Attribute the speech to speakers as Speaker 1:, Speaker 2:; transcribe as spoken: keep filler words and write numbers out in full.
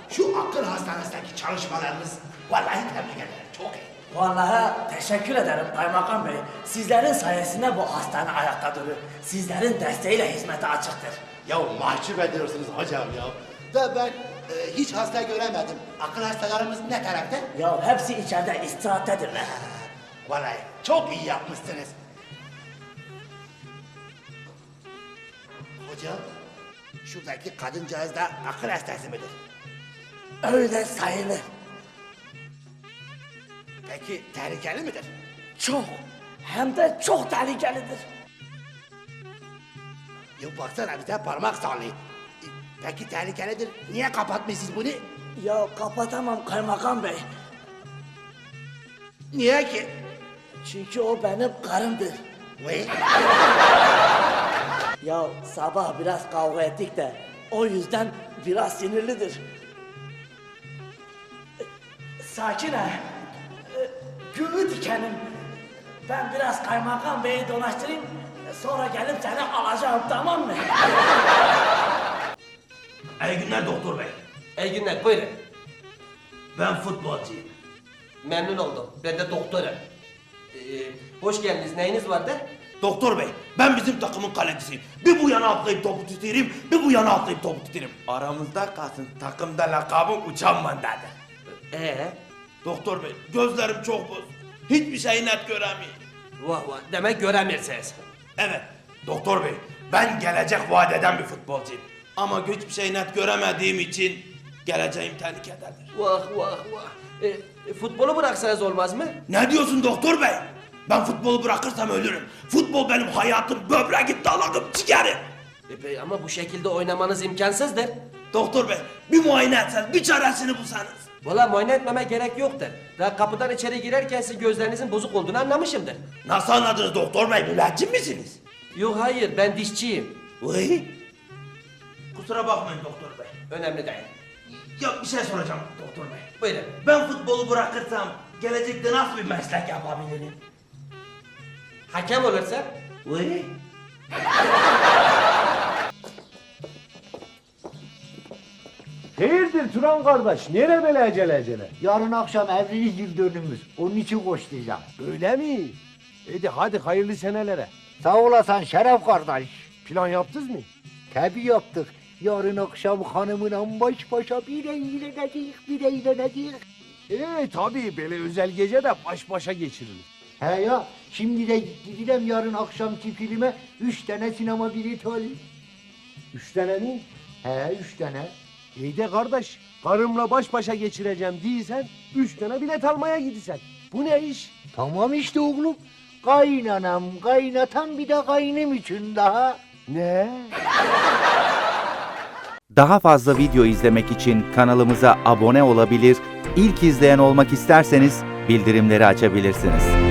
Speaker 1: şu akıl hastanesindeki çalışmalarınız vallahi tebrik ederim. Çok iyi.
Speaker 2: Vallahi teşekkür ederim kaymakam bey. Sizlerin sayesinde bu hastane ayakta duruyor. Sizlerin desteğiyle hizmete açıktır.
Speaker 1: Ya mahcup ediyorsunuz hocam ya. Da ben e, hiç hasta göremedim. Akıl hastalarımız ne tarafta?
Speaker 2: Ya hepsi içeride istirahattedirler.
Speaker 1: Vallahi çok iyi yapmışsınız. Hocam, şuradaki kadıncağız da akıl hastası mıdır?
Speaker 2: Öyle sayılır.
Speaker 1: Peki tehlikeli midir?
Speaker 2: Çok. Hem de çok tehlikelidir.
Speaker 1: Ya baksana bize parmak sallıyor. E, Peki tehlikelidir. Niye kapatmışsınız bunu?
Speaker 2: Ya kapatamam kaymakam bey.
Speaker 1: Niye ki?
Speaker 2: Çünkü o benim karımdır.
Speaker 1: Vay.
Speaker 2: Ya sabah biraz kavga ettik de o yüzden biraz sinirlidir. Sakin ha. Ee, Gülü dikenim. Ben biraz kaymakam beyi dolaştırayım. Sonra gelip seni alacağım, tamam mı?
Speaker 3: İyi günler doktor bey.
Speaker 4: İyi günler, buyurun.
Speaker 3: Ben futbolcuyum.
Speaker 4: Memnun oldum. Ben de doktorum. Ee, hoş geldiniz. Neyiniz vardı?
Speaker 3: Doktor bey, ben bizim takımın kalecisiyim. Bir bu yana atlayıp topu tutarım, bir bu yana atlayıp topu tutarım. Aramızda kalsın, takımda lakabım Uçan Mandadır.
Speaker 4: Ee,
Speaker 3: Doktor bey, gözlerim çok boz. Hiçbir şeyi net göremiyorum.
Speaker 4: vah vah. Demek göremirsiniz.
Speaker 3: Evet, doktor bey, ben gelecek vaat eden bir futbolcuyum. Ama hiçbir şeyi net göremediğim için geleceğim tehlikededir.
Speaker 4: Vah vah vah. Ee, futbolu bıraksanız olmaz mı?
Speaker 3: Ne diyorsun doktor bey? Ben futbolu bırakırsam ölürüm. Futbol benim hayatım, böbreğim, dalağım, ciğerim.
Speaker 4: E, be- ama bu şekilde oynamanız imkansızdır.
Speaker 3: Doktor bey, bir muayene etseniz, bir çaresini bulsanız.
Speaker 4: Valla muayene etmeme gerek yoktur. Daha kapıdan içeri girerken siz gözlerinizin bozuk olduğunu anlamışımdır.
Speaker 3: Nasıl anladınız doktor bey, müneccim misiniz?
Speaker 4: Yok hayır, ben dişçiyim.
Speaker 3: Vay. Kusura bakmayın doktor bey.
Speaker 4: Önemli değil.
Speaker 3: Ya bir şey soracağım doktor bey.
Speaker 4: Buyurun.
Speaker 3: Ben futbolu bırakırsam gelecekte nasıl bir meslek yapabilirim?
Speaker 4: Hakem olursa?
Speaker 3: Vay.
Speaker 5: Hayırdır Turan kardeş? Nereye böyle acele acele?
Speaker 6: Yarın akşam evlilik yıl dönümümüz. Onun için koşturacağım.
Speaker 5: Öyle mi? Hadi hadi hayırlı senelere.
Speaker 6: Sağ olasın Şeref kardeş.
Speaker 5: Plan yaptınız mı?
Speaker 6: Tabii yaptık. Yarın akşam hanımla baş başa bir eğleneceğiz, bir eğleneceğiz.
Speaker 5: Ee tabii böyle özel gece de baş başa geçirilir.
Speaker 6: He ya, şimdi de gideceğim yarın akşamki filme. Üç tane sinema bileti alayım.
Speaker 5: Üç tane mi?
Speaker 6: He, üç tane.
Speaker 5: İyi de kardeş, karımla baş başa geçireceğim değilsen, üç tane bilet almaya gidisen. Bu ne iş?
Speaker 6: Tamam işte oğlum. Kaynanam, kaynatan bir de kaynım için daha.
Speaker 5: Ne?
Speaker 7: Daha fazla video izlemek için kanalımıza abone olabilir, ilk izleyen olmak isterseniz bildirimleri açabilirsiniz.